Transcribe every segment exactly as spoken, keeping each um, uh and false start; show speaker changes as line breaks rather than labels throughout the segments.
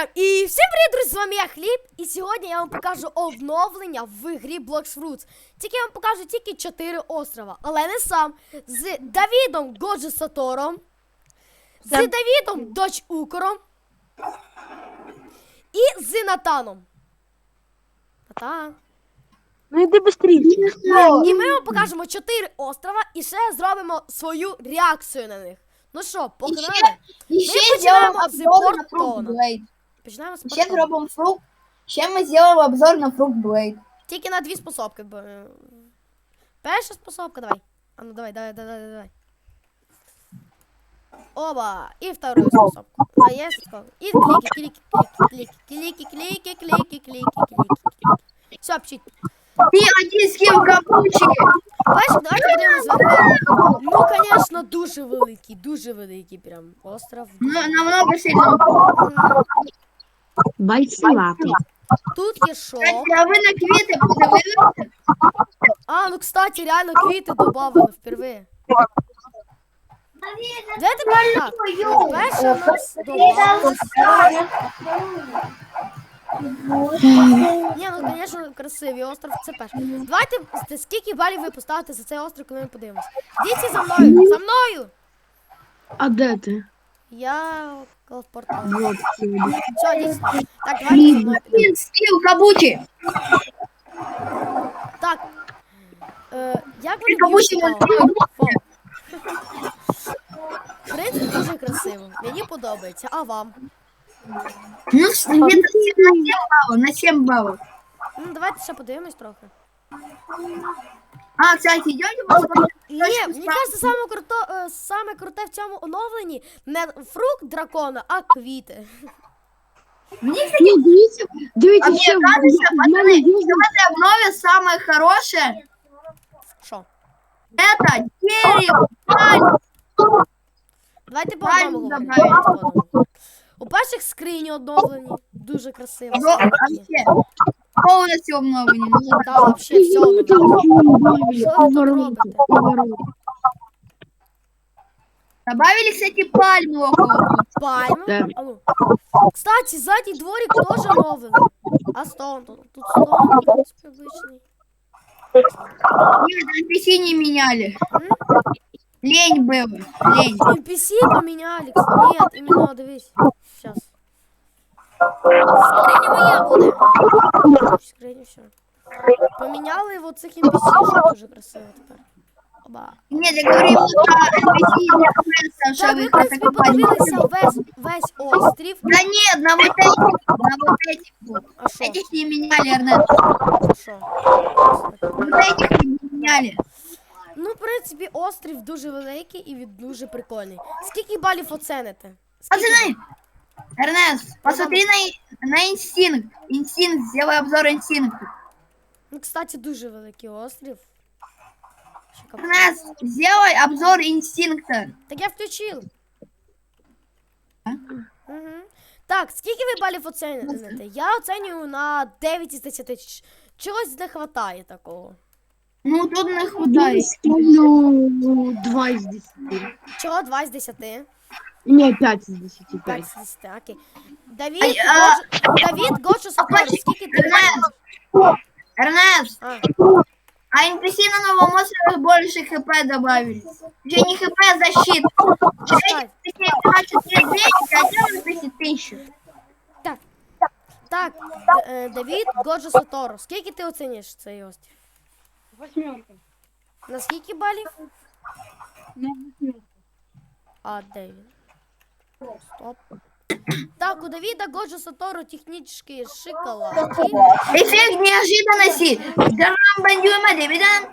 І всім привіт, друзі, з вами я Хліб, і сьогодні я вам покажу оновлення в грі Blox Fruits. Тільки я вам покажу тільки чотири острова, але не сам. З Давідом Годжо Сатором, з Давідом Доч Укором і з Натаном. Натан.
Ну йди быстрее.
І ми вам покажемо чотири острова і ще зробимо свою реакцію на них. Ну що, погнали?
І ще
Ми починаємо
зробимо
з
обзор на
Портона.
Fruit Blade.
Починаємо з
Ще
Портона.
зробимо фрукт. Ще ми зробимо обзор на Fruit Blade.
Тільки на дві способки. бо, е, Перша способка, давай. А ну давай, давай, давай, давай. Оба. И вторую способку. А я сказал. И клики, клики, клики, клики, клики, клики, клики, клики. Все, пчить.
Ти один з ким капучі.
Бачиш, давайте подивимось зверху. Ну, конечно, дуже великий, дуже великий прям остров.
Ну, намного сильно.
М,
Байсилатий.
Тут є шо.
А ви на квіти подивилися?
А, ну, кстати, реально квіти добавили впервые. Давайте так. Ну, перше у нас добавилось. Ні, ну, звісно, красивий остров, це перше. Давайте, с- скільки балів ви поставите за цей остров, коли ми подивимось. Діти за мною, за мною!
А де ти?
Я в портал.
Вот сюди.
Все, діти. Так, давайте за мною підемо.
Він скіл кабучі.
Так. Е, як вони
Кабучі
б'ють?
вон
О, фо. В принципі, дуже красиво. Мені подобається. А вам?
Ну, він на сім балів, на сім балів.
Ну, давайте ще подивимось трохи.
А, кстати, йдете посмотрите?
Ні, мені кажеться, саме круто, е, саме круте в цьому оновленні не фрукт дракона, а квіти.
Мені, кстати,
Ні, дивіться,
а
дивіться,
мені
що в
кажется,
в мене
пацаны,
є.
сегодня в обнове самое хорошее
Що?
это дерево, пальма.
Давайте по
Правильно
одному говоримо.
добавили.
давайте по одному. У перших скрині оновлені. Дуже красиво.
Ну, вообще, полностью обновление. Ну,
Так, вообще все оновлено. Що ви тут робите?
добавили, кстати, пальму около.
Пальму?
Так.
А ну. Кстати, задній дворик теж оновлений. А стон тут? Тут стон, в принципі, обичний.
Нет, эн пи си не меняли.
М?
Лень было, лень.
эн пи си поменяли. Нет, именно, дивись. Сейчас. Скриня моя буде. Скриня все. Поміняли вот цих ен пі сі, що дуже красиво тепер. Оба.
Нет, я говорю именно про эн пи си, не про
Так, ви, в
их
принципі, подивилися весь, весь острів.
Да нет, на вот этих, на вот этих вот.
А що?
Этих не меняли, Эрнест.
А що?
Вот этих не меняли.
Ну, в принципі, острів дуже великий і він дуже прикольний. Скільки балів оцените? Скільки?
Пацаны, Эрнест, посмотри на, на инстинкт. Инстинкт, сделай обзор инстинкту.
Ну, кстати, дуже великий острів. Ще кап-
Эрнест, сделай обзор инстинкта.
Так я включив.
А?
Угу. Так, скільки ви балів оцінюєте? Я оцінюю на дев'ять із десяти. Ч- Чогось не вистачає такого.
Ну, тут не
Я
хватает.
ставлю два із десяти.
Чого два з десяти?
Ні, п'ять із десяти.
п'ять
п'ять.
з десяти, окей. Давід,
Ай, а-
Годжо- Давід Годжо Сатору, скільки ти
Эрнест, Эрнест,
А,
а эн пи си на новом острове больше хп добавили. Уже не хп, а защита.
чекай.
четыре двести, а один эн пи си тысячу.
Так, так, Д- е, Давід Годжо Сатору, скільки ти оцінюєш цей острів?
Восьмерка.
На скільки балів?
На восьмерку.
А, де він? Стоп. Так, у Давіда Годжо Сатору технічні шоколадки.
Эффект неожиданности. Дарам бандюма дивиден.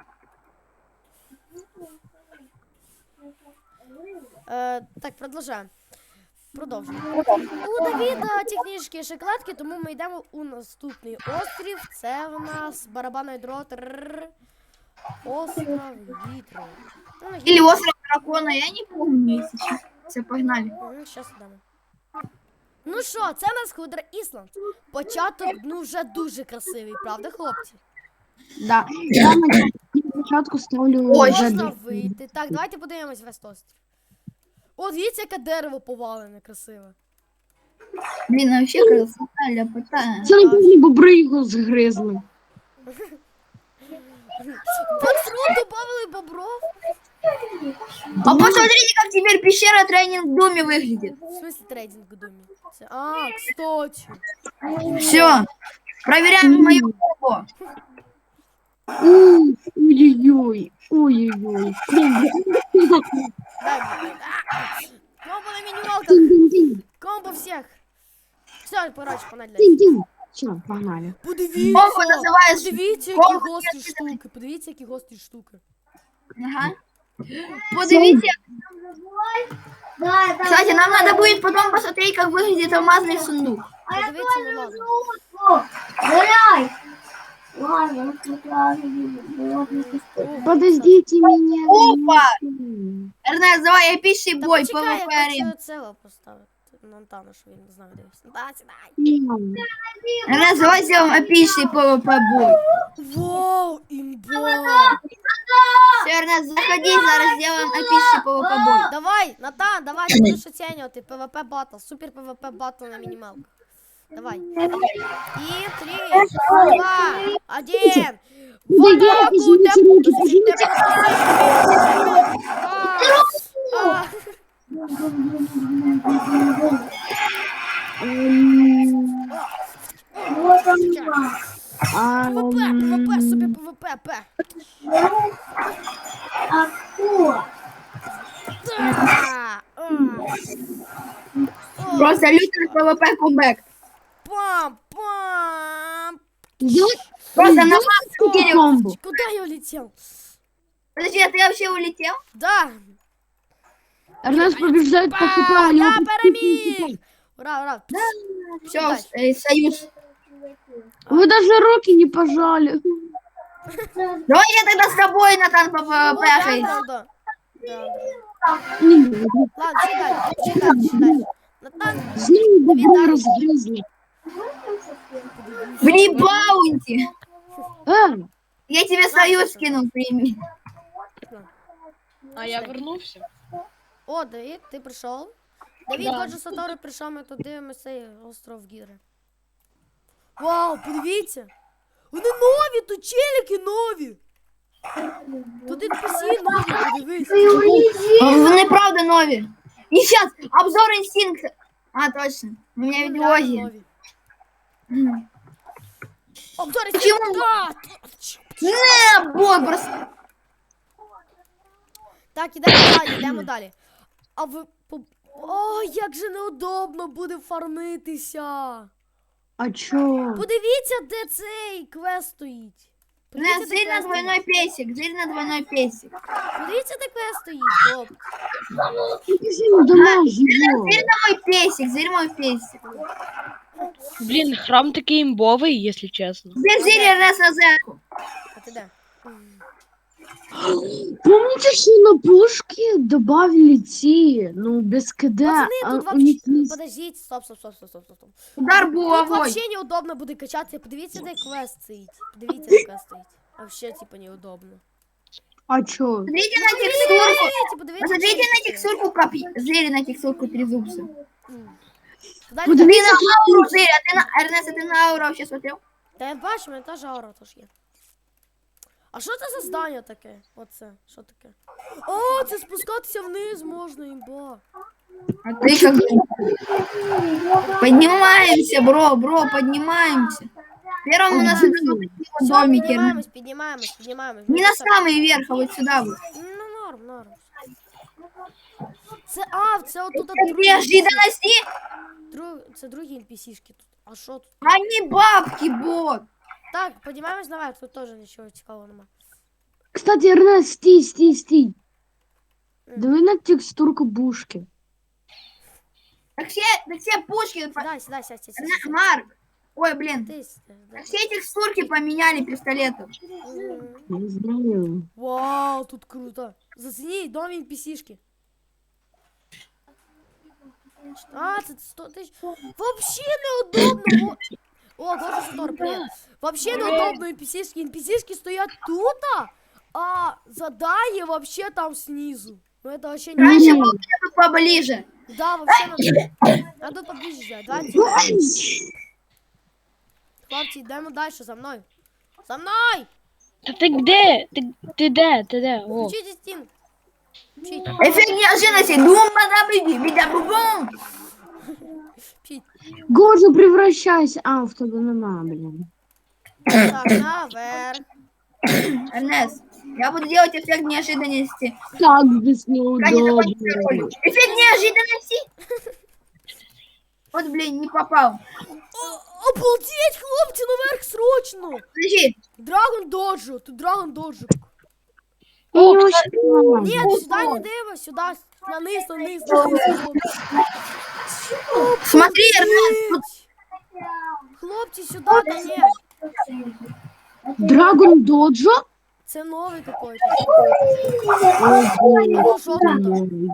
Е, так, продовжаємо. Продовжуємо. У Давіда технічні шоколадки, тому ми йдемо у наступний острів. Це в нас барабанний дрот. Рррр. Остров Гідро. Ну, на
Или остров дракона, я не помню, если честно. Все, погнали.
Зараз йдемо. Ну що, це у нас Худра Ісланд. Початок, ну, вже дуже красивий, правда, хлопці?
Да. Я на початку ставлю
Ой,
вже
Можна
десять.
вийти. Так, давайте подивимось весь острів. О, дивіться, яке дерево повалене, красиве.
Блін, вообще красота, ляпота.
Це напевно бобри його згризли.
Маршрут добавили бобров?
А посмотрите, как теперь пещера тренинг в доме выглядит.
В смысле трейдинг в доме? Це- А, кстати.
Все. Проверяем мою кухню.
Ой, Ой-ой-ой, ой-ой-ой. Комбо.
Дай мне. А! Комбо на минималках.
Тинь-тинь-тинь,
Комбо всех. Все, короче, погнали.
тинь-тинь. Все, погнали.
Подивіться,
Комбо називається
подивіться, які
комбо
гострі
для
штуки, подивіться, які гострі штуки.
Ага. Подивіться. Кстати, нам надо будет потом посмотреть, как выглядит алмазный сундук.
Подивіться на лазу.
Подождите меня.
Опа! Эрнест, давай эпичный
Та
бой,
почекай, я
пэ вэ пэ арена.
хочу цього поставити. На Антана, що він не знаю, де він. Да, сідай.
Эрнест, давай сделаем эпичный пэ вэ пэ бой.
Вау, імба.
Все, Эрнест, заходи, зараз сделаем эпичный пэ вэ пэ бой.
Давай, Натан, давай, ти будеш оцінювати ПВП батл, супер ПВП батл на мінімалках. Давай. И три, два, один. Вот так вот,
Извините,
я-
руки,
подождите,
извините.
А, а.
А,
ПВП, ПВП, супер ПВП, П. Да, а. О,
Просто лютый пэ вэ пэ кумбэк.
Пам, пам.
Я
Просто на
Сколько комбо?
Куда я улетел?
Подожди, а ты вообще улетел?
Да.
Эрнест побеждает по
Па,
хп. у него
я
по
переміг. Ура, ура.
Все, э, союз.
Вы даже руки не пожали.
Давай я тогда с тобой, Натан, по пэ вэ
О,
пэ
да,
хейс.
да, да. Да, да.
Не,
Ладно, читай, читай, читай. Натан,
Знаю,
Давид,
бобры
да.
разгрызли.
Мне баунти.
Э,
Я тебе союз скинул, прими.
А я вернувся.
О, Давид, ти прийшов? Давид,
Да.
отже, Сатору прийшов, ми тут дивимося цей остров Гідри. Вау, подивіться! Вони нові, тут челіки нові! Тут ен пі сі нові, подивись.
Вони правда нові. И сейчас обзор инстинкта. А, точно. У меня
Вони
ведь
реально
логи.
нові. Обзор ен пі сі,
Почему?
да!
Не, бот просто.
Так, ідемо далі, йдемо далі. А ви... по- О, як же неудобно буде фармитися.
а чё?
Подивіться, де цей квест стоїть.
Не,
Подивіться, де
зырь на
квест
двойной
стоїть.
песик, зырь на двойной песик.
Подивіться, де квест стоїть, хлоп.
Покажи дома его.
Зырь на мой песик, зырь мой песик.
Блін, храм такий імбовий, якщо чесно.
Теперь зырь раз на зэку.
А ти де?
Помните, что на пушки добавили те, ну, без КД,
Пацаны,
а
тут
у
вообще...
них есть...
Подождите, стоп, стоп, стоп, стоп, стоп, стоп.
Удар
Тут
булавой.
вообще неудобно буде качатися. Подивіться, де квест стоїть. Подивіться, де квест стоїть. Вообще, типа, неудобно.
А чё?
Посмотрите на текстурку.
Подивіться, подивіться.
Посмотрите на
челики.
текстурку копи. Зырь на текстурку трезубца.
М. Далі,
Подивіться.
далі.
Ты на ауру, зырь, а ты на... Эрнест, а ты на ауру вообще смотрел?
Та я бачу, у мене теж аура теж є. А що це за здання таке? Оце, що таке? О, це спускатися вниз можна, імба.
А ты как... Поднимаемся, бро, бро, поднимаемся. Первым у нас это
Все,
домики.
піднімаємось, піднімаємось, піднімаємось.
Не на самый верх, а вот сюда вот.
Ну, норм, норм. Це, а, це отут
Неожиданности,
друг, це другі ен пі сішки тут. А що тут?
а не бабки, бот.
Так, піднімаємось наверх, тут теж нічого цікавого нема.
Кстати, Эрнест, стій, стій, стій.
М.
Давай на текстурку бушки.
Так все, так все пушки... по-
Сідай, сідай, сядь, сядь, сядь,
На-
сядь.
Марк. Ой, блин.
Ти сідай, да.
Так все текстурки поменяли пистолетов.
Мгм.
Не знаю.
Вау, тут круто. Зацініть нові ен пі сішки. А, це сто тисяч. Вообще неудобно. О, о Гоша Сатор, привет. Вообще неудобно ен пі сішки. ен пі сішки стоять тут, а задание вообще там снизу. Ну это вообще
Раньше
не...
был где-то поближе.
Да, вообще надо... Надо поближе взять. Давайте. Хлопці, йдемо далі, за мною. За мною!
Та ти де? Ти, ти де? Ти де? О.
Включіть стін. Вчіть,
Эффект неожиданности. Думба добыли. Видя бум.
вчіть.
Годжа, превращайся. А, в тебе нема, блін.
Так, наверх.
Эрнест, я буду делать эффект неожиданности.
Так без
Пока не
неудобно.
закончится ролик. Эффект неожиданности. Вот, блин, не попал.
О, обалдеть, хлопці, наверх срочно!
Подожди.
Драгон доджу, тут драгон доджу.
О,
Я
кстати,
успела.
Ні, сюди не диво, сюди, на низ, на низ, на низ, хлопці.
Смотри, Эрнест. тут
Обалдеть! Хлопці, сюди, та ні.
Драгон Доджо?
Це новий какой-то.
Ого.
Ну, що тут?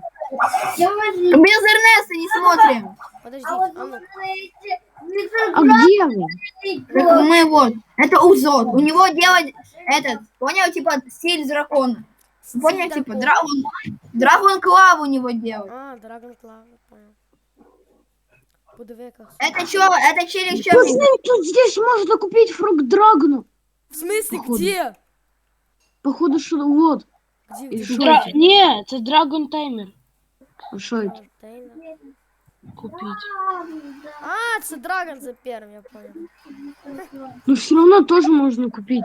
Без Эрнеста не смотрим.
Подождите, а ну.
А где вы?
Так мы вот. Это Узот. У него делать этот, понял, типа стиль дракона. Понял, типа
Дракон.
драгон. Драгон Клав у него делать.
А, Драгон Клав, понял. Подиви, яка.
Это что? Это через что?
Пацаны, тут здесь можно купить фрукт Драгону.
В смысле,
Походу.
где?
Походу, что вот.
Где?
И
где?
шо
Дра...
это?
Ні, це Dragon Timer
А что это?
Контейнер.
купіть.
А, це Драгон за первым, я понял.
Ну все равно тоже можно купить.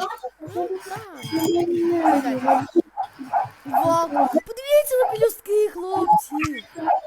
Да. Вау, подивіться на пелюстки, хлопці.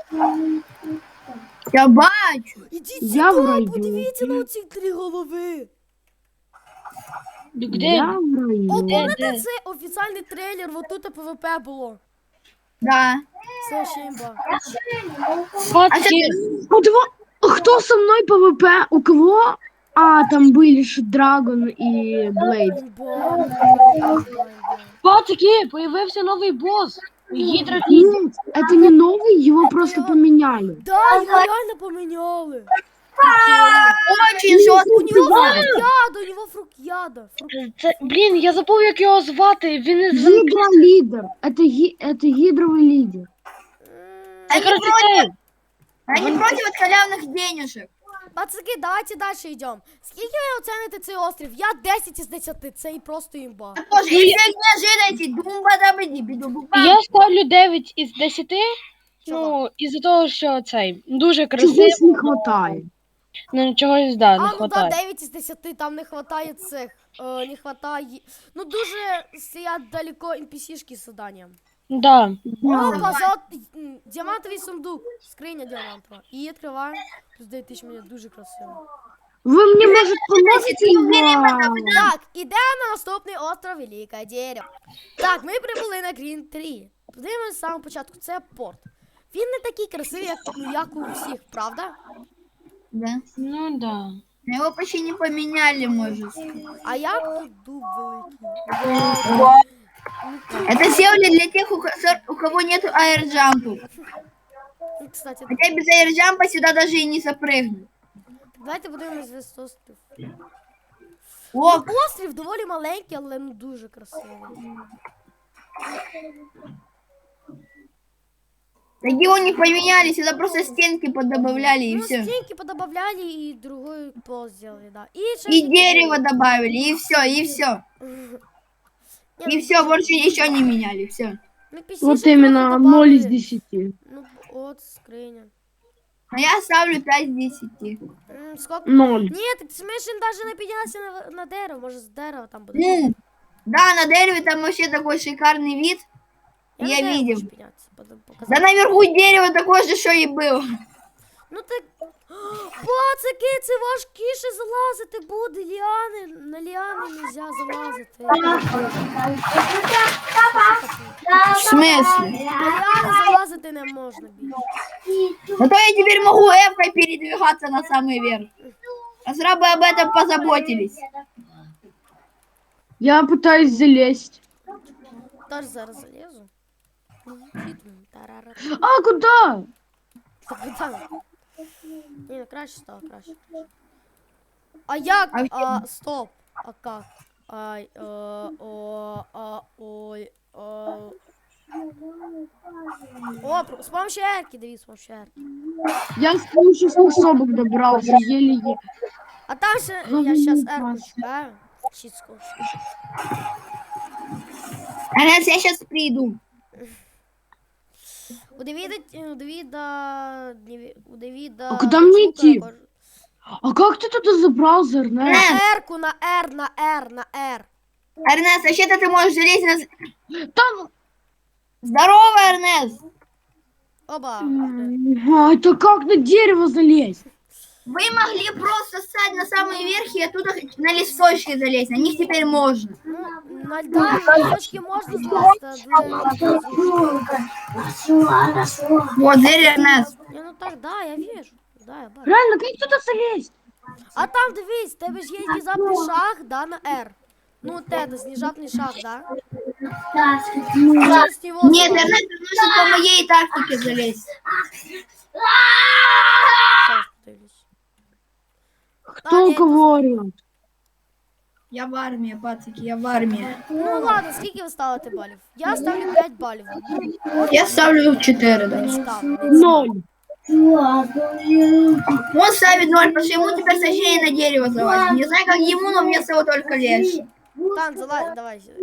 Я бачу.
Ідіть
Я в
сюди,
раю.
подивіться на ці три голови.
Де?
Я в
О,
районе.
помните,
де?
це офіційний трейлер, вот тут ПВП було.
Да.
Це ще імба.
Пацки,
А два... Кто со мной ПВП? У кого? А, там были же Драгон и Блейд.
Імба, імба, імба.
пацки, появився новий бос. Гідра Кіт.
Нет, это не новый, его просто
его-
поменяли.
Да, його реально поміняли.
Очень жестко.
У нього фрукт яда, у нього фрукт яда. Фрукт-
Це, блін, я забув, як його звати. Він із
Гидра лидер. Это, ги... это гидровый лидер.
М,
Це коротше цей.
Они против от халявных денежек.
Пацаки, давайте далі йдемо. Скільки ви оцените цей острів? Я десять із десяти, це і просто імба.
Тоже эффект неожиданности. Думба добыли. Биду буба.
Я ставлю дев'ять із десяти.
Чого?
Ну, із-за того, що цей дуже
Чогось
красиво,
не хватает.
ну чогось да, не
А, ну да,
хватає.
дев'ять із десяти, там не хватає цих, е, не хватає, ну дуже стоять далеко ен пі сі-шки з заданням.
Да.
Опа, золот... м, діамантовий сундук, скриня діамантова. І відкриваємо, плюс дев'ять тисяч мені дуже красиво.
Вы мне, может, поможете? Вау.
Так, ідемо на наступний остров Велике Дерево. Так, ми прибули на Грін три. Подивимося з самого початку, це порт. Він не такий красивий, як, ну, як у всіх, правда?
Да.
Ну да.
Его почти не поменяли, может.
А як тут дуб великий?
Это сделали для тех, у ко- у кого нет аэрджампу.
Ну, кстати,
Хотя без аэрджампа сюда даже и не запрыгнуть.
давайте подивимось весь острів.
О,
Острів доволі маленький, але ну дуже красивий.
так его не поменяли, сюда просто стенки подобавляли и
Ну,
все.
стенки подобавляли и другой пол сделали, да. И,
И дерево добавили, и все, и все. И все, больше ничего не меняли, все.
Вот именно ноль из десяти.
Ну, от скриня.
А я ставлю пять из десяти.
М, сколько?
Ноль.
Ні, так Смешин даже не піднялся на, на дерево, може з дерева там буде.
Ну, да, на дереве там вообще такой шикарный вид.
на
Я
дерево
видел.
хочу піднятися, подо-
Да
показати.
наверху дерево такое же, что и было.
Ну так, пацаки, це важкіше залазити буде, ліани, на ліани нельзя залазити.
В смысле?
На ліани залазити не можна більше.
Зато я теперь могу эвкой передвигаться на самый верх. Разрабы об этом позаботились.
Я пытаюсь залезть.
Теж зараз залізу. Тарара.
А, куда?
Так, куди? Ні, ну краще стало, краще. А як?
А
А, стоп. А как? Ай, е, о, а, ой, о. О, про- з помощью Ерки, дивись, з помощью Ерки.
Я с помощью способок добрался, еле-еле.
А там ще, я
Головний
щас
клас.
Ерку чекаю. Чітко.
Эрнест, я сейчас приду.
У Давида, у Давида, Дневі- у Давида...
А куда мне
звука
идти?
також-
А как ты туда забрался, Эрнест?
На Ерку, на Р, на Р, на Р.
Эрнест, вообще-то ты можешь залезть на... з-
Там...
Здорово, Эрнест!
Оба.
А, это как на дерево залезть?
Вы могли просто стать на самый верх и оттуда на листочки залезть. На них теперь можно.
Ну, на да, на листочки можна злазити, але...
Вот, дверь, Эрнест.
Не, ну так, да, я вижу. Да, я бачу.
Реально, как туда залезть?
А там, дивись, в тебе ж є внезапний шаг, да, на R. Ну, те, це внезапний шаг, да? Через него
Нет,
залазь.
Эрнест, ты нужно по моей тактике залезть.
Щас подивлюсь.
Кто
ні,
кого орёт?
Я в армии, пацаки, я в армии.
Ну ладно, скільки ви ставите балів? Я ставлю п'ять балів.
Я ставлю четыре, да.
Не цікаво, не цікаво.
Ноль.
Он ставит ноль, потому что ему теперь сложнее на дерево залазить. Не знаю, как ему, но мне всего только легче.
Тан, залазь, давай сюди.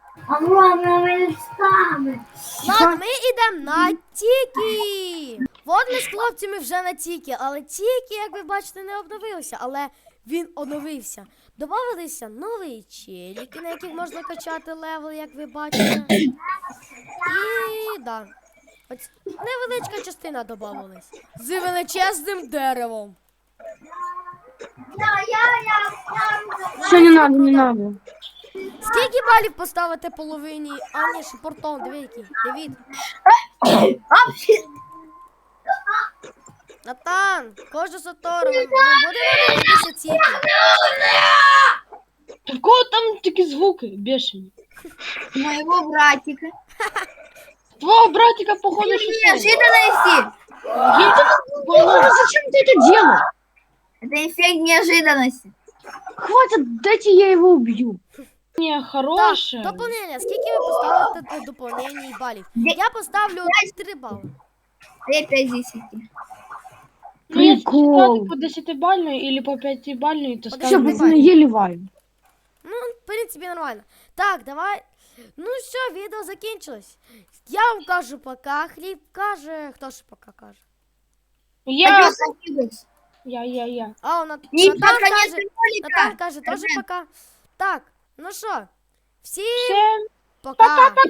Ладно, ми йдемо на Тікі. От ми з хлопцями вже на Тікі, але Тікі, як ви бачите, не обновився, але він оновився. Добавилися нові челіки, на яких можна качати левел, як ви бачите. І да. Ось невеличка частина додавалась. З величезним деревом.
Все, не надо, не надо.
Скільки балів поставити половині? А, ні, шипортон, диви який. Давід. Натан, кожу Сатору, ми будемо дивитися Тікі.
Такого там такі звуки бешені.
Моего братика.
Твого братика, походу, що це.
Неожиданности.
Боже, зачем ты это делаешь?
Это эффект неожиданности.
Хватит, дайте я его убью.
Не,
Так,
хороше.
доповнення. Скільки ви поставите до доповнення балів? Я поставлю три бали.
Я пять десять.
Ну, якщо
Прикол.
ставити по десятибальної или по п'ятибальної, то
По
Все,
ставлю.
десятибальной.
пацаны, ели вайм.
Ну, в принципі, нормально. Так, давай. Ну все, відео закінчилось. Я вам кажу пока. Хліб каже. Хто ж пока каже?
Я, я, я, я.
А, он Нат-
И
Натан
под конец
каже. Натан
ролика.
каже теж пока. Так, ну що, всім
Всем
пока.